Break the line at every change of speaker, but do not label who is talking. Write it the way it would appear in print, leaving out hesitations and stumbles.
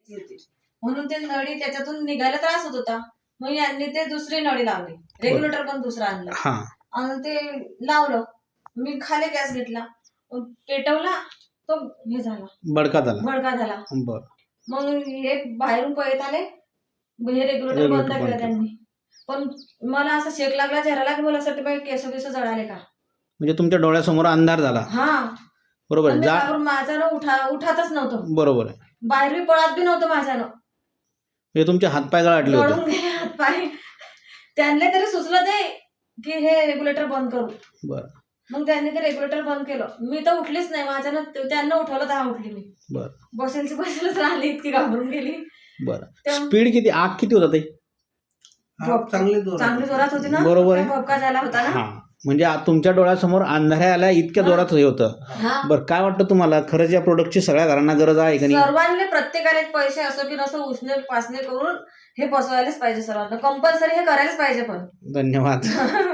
म्हणून ते नळी त्याच्यातून निघायला त्रास होत होता. मग यांनी ते दुसरी नळी लावली, रेग्युलेटर पण दुसरा आणला आणि ते लावलं. मी खाली गॅस घेतला, पेटवला, तो हे झाला, भडका झाला. मग हे बाहेरून पळत आले, हे रेग्युलेटर बंद केलं त्यांनी. पण मला असं शेक लागला चेहऱ्याला की मला असं केस बिस जळाले का.
म्हणजे तुमच्या डोळ्यासमोर अंधार झाला.
हा बरोबर. माझ्यानं उठातच नव्हतं. बरोबर. बाहेर बी पळत बी नव्हतं माझ्यानं.
म्हणजे तुमचे हातपाय गळाटले होते.
गळून गेले हातपाय. त्यांना तरी सुचलं ते की हे रेग्युलेटर बंद करू.
बरं.
मग त्यांनी ते रेग्युलेटर बंद केलं. मी तर उठलीच नाही, माझ्यानं त्यांना उठवलं तर उठली मी. बरं. बसेलच राहिली, इतकी घाबरून गेली.
बरं. स्पीड किती, आग किती होता ते?
चांगली जोरात होती ना. बरोबर. भपका झाला होता ना.
म्हणजे तुमच्या डोळ्यासमोर अंधाऱ्या आल्या इतक्या जोरात हे होतं. बरं, काय वाटतं तुम्हाला, खरंच या प्रोडक्टची सगळ्या घरांना गरज आहे का नाही?
सर्वांनी प्रत्येकाने पैसे असो की नसो उसने पासने करून हे बसवायलाच पाहिजे. सर्वांना कंपल्सरी हे करायलाच पाहिजे. पण
धन्यवाद.